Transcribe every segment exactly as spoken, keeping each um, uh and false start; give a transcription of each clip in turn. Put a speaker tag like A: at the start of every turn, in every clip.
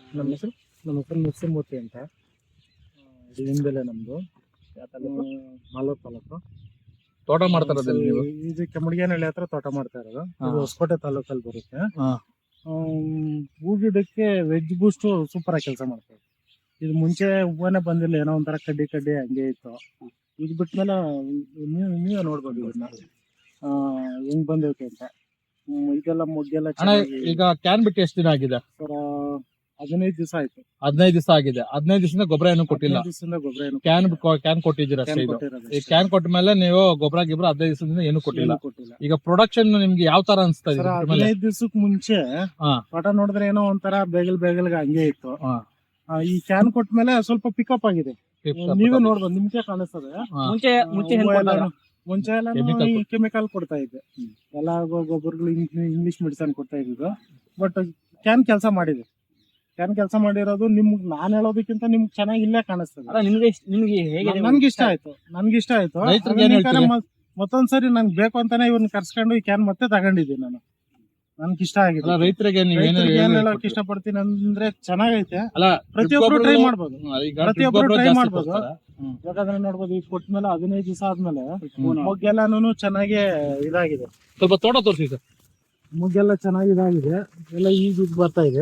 A: ನಮ್ಮ ಹೆಸರು ನಮ್ಮ ಹೆಸರು ನರಸಿಂಹಮೂರ್ತಿ ಅಂತ. ಹಿಂದೆಲೆ ನಮ್ದು ಮಾಲೂರು ತಾಲೂಕು.
B: ತೋಟ ಮಾಡ್ತಾರ ನೀವು?
A: ಇದು ಕೆಮ್ಮಡಿಗೇನಹಳ್ಳಿ ಹತ್ರ ತೋಟ ಮಾಡ್ತಾ ಇರೋದು. ಇದು ಹೊಸಕೋಟೆ ತಾಲೂಕಲ್ಲಿ ಬರುತ್ತೆ. ಹೂ ಗಿಡಕ್ಕೆ ವೆಜ್ ಬೂಸ್ಟ್ ಸೂಪರ್ ಆಗಿ ಕೆಲಸ ಮಾಡ್ತಾರೆ. ಇದು ಮುಂಚೆ ಹೂವನೇ ಬಂದಿಲ್ಲ, ಏನೋ ಒಂಥರ ಕಡ್ಡಿ ಕಡ್ಡಿ ಹಂಗೆ ಇತ್ತು. ಇದು ಬಿಟ್ಮೇಲೆ ನೀವು ನೀವೇ ನೋಡ್ಬೋದು ಇದನ್ನ ಹೆಂಗ್ ಬಂದೈತೆ ಅಂತ. ಇದೆಲ್ಲ ಮೊಗ್ಗೆಲ್ಲ
B: ಈಗ ಕ್ಯಾನ್ ಬಿಟ್ಟು ಎಷ್ಟು ದಿನ ಆಗಿದೆ
A: ಸರ್? ಹದಿನೈದು ದಿವಸ ಆಯ್ತು.
B: ಹದಿನೈದು ದಿವಸ ಆಗಿದೆ. ಹದಿನೈದು ದಿವಸದಿಂದ ಗೊಬ್ಬರ ಏನು ಕೊಟ್ಟಿಲ್ಲ?
A: ಗೊಬ್ಬರ ಏನು
B: ಕ್ಯಾನ್ ಕ್ಯಾನ್ ಕೊಟ್ಟಿದ್ದೀರಾ ಅಷ್ಟೇ. ಇದು ಈ ಕ್ಯಾನ್ ಕೊಟ್ಟ ಮೇಲೆ ನೀವು ಗೊಬ್ಬರ ಗಿಬ್ಬರ ಹದಿನೈದು ದಿವಸದಿಂದ ಏನು ಕೊಟ್ಟಿಲ್ಲ. ಈಗ ಪ್ರೊಡಕ್ಷನ್ ನಿಮ್ಗೆ ಯಾವ ತರ ಅನ್ಸ್ತಾ ಇದೆ?
A: ಹದಿನೈದು ದಿವಸಕ್ಕೆ ಮುಂಚೆ ತೋಟ ನೋಡಿದ್ರೆ ಏನೋ ಒಂಥರ ಬೇಗಲ್ ಬೇಗಲ್ಗೆ ಹಂಗೆ ಇತ್ತು. ಈ ಕ್ಯಾನ್ ಕೊಟ್ಟ ಮೇಲೆ ಸ್ವಲ್ಪ ಪಿಕಪ್ ಆಗಿದೆ. ನೀವೇ ನೋಡ್ಬೋದು, ನಿಮ್ಗೆ ಕಾಣಿಸ್ತದೆ.
C: ಮುಂಚೆ ಮುಂಚೆ
A: ಮುಂಚೆ ಎಲ್ಲ ಕೆಮಿಕಲ್ ಕೊಡ್ತಾ ಇದ್ದೆ, ಎಲ್ಲ ಗೊಬ್ಬರಗಳು ಇಂಗ್ಲಿಷ್ ಮೆಡಿಸನ್ ಕೊಡ್ತಾ ಇದ್ದು. ಬಟ್ ಕ್ಯಾನ್ ಕೆಲಸ ಮಾಡಿದೆ. ಕ್ಯಾನ್ ಕೆಲಸ ಮಾಡಿರೋದು ನಿಮ್ಗೆ ನಾನ್ ಹೇಳೋದಕ್ಕಿಂತ ನಿಮ್ಗೆ ಚೆನ್ನಾಗಿ ಇಲ್ಲೇ ಕಾಣಿಸ್ತದೆ.
C: ನಿಮ್ಗೆ ನಿಮ್ಗೆ ಹೇಗೆ?
A: ನನ್ಗೆ ಇಷ್ಟ ಆಯ್ತು, ನನ್ಗೆ ಇಷ್ಟ ಆಯ್ತು. ಮತ್ತೊಂದ್ಸರಿ ನನ್ಗೆ ಬೇಕು ಅಂತಾನೆ ಇವ್ರನ್ನ ಕರ್ಸ್ಕೊಂಡು ಈ ಕ್ಯಾನ್ ಮತ್ತೆ ತಗೊಂಡಿದ್ದೀನಿ ನಾನು. ನನ್ಗೆ ಇಷ್ಟ ಆಗಿದೆ.
B: ರೈತರಿಗೆ
A: ಏನ್ ಹೇಳಕ್ ಇಷ್ಟಪಡ್ತೀನಿ ಅಂದ್ರೆ ಚೆನ್ನಾಗೈತೆ. ಪ್ರತಿಯೊಬ್ರು ಟ್ರೈ ಮಾಡ್ಬೋದು, ಪ್ರತಿಯೊಬ್ರು ಟ್ರೈ ಮಾಡ್ಬೋದು. ಯಾಕಂದ್ರೆ ನೋಡ್ಬೋದು, ಈಗ ಕೊಟ್ಟ ಮೇಲೆ ಹದಿನೈದು ದಿವಸ ಆದ್ಮೇಲೆ ಮೊಗ್ಗೆಲ್ಲಾನು ಚೆನ್ನಾಗಿ ಇದಾಗಿದೆ.
B: ಸ್ವಲ್ಪ ತೋಟ ತೋರಿಸಿ ಸರ್.
A: ಮೊಗ್ಗೆಲ್ಲ ಚೆನ್ನಾಗಿ ಇದಾಗಿದೆ, ಎಲ್ಲ ಈಗ ಬರ್ತಾ ಇದೆ.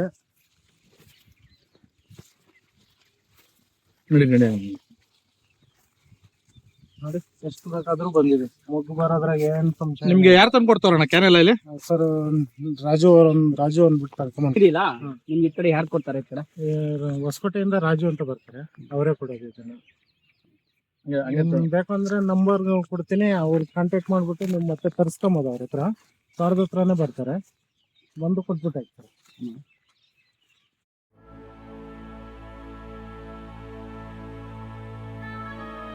B: ನೋಡಿ ನೋಡಿ
A: ನೋಡಿ ಎಷ್ಟು ಬೇಕಾದ್ರೂ ಬಂದಿದೆ. ಮೊಗ್ಗು ಬರೋದ್ರಾಗ ಏನ್ ಸಂಶಯ.
B: ನಿಮ್ಗೆ ಯಾರು ತಂದು ಕೊಡ್ತಾರಣ್ಣ ಕ್ಯಾನ್ ಎಲ್ಲ ಇಲ್ಲಿ?
A: ಸರ್ ರಾಜು ಅವ್ರ ರಾಜು ಅಂದ್ಬಿಟ್ಟು ಕರ್ಕೊಂಡ್
C: ನಿಮ್ಗೆ ಈ ಕಡೆ ಯಾರು ಕೊಡ್ತಾರೆ? ಈ ಕಡೆ
A: ಹೊಸಕೋಟೆಯಿಂದ ರಾಜು ಅಂತ ಬರ್ತಾರೆ, ಅವರೇ ಕೊಡೋದು ಇದನ್ನ. ಬೇಕಂದ್ರೆ ನಂಬರ್ ಕೊಡ್ತೀನಿ, ಅವ್ರಿಗೆ ಕಾಂಟ್ಯಾಕ್ಟ್ ಮಾಡ್ಬಿಟ್ಟು ನೀವು ಮತ್ತೆ ತರಿಸ್ಕೊಂಬೋದು. ಅವ್ರ ಹತ್ರ ಸಾವಿರದ ಹತ್ರನೇ ಬರ್ತಾರೆ, ಬಂದು ಕೊಟ್ಬಿಟ್ಟು ಹಾಕ್ತಾರೆ.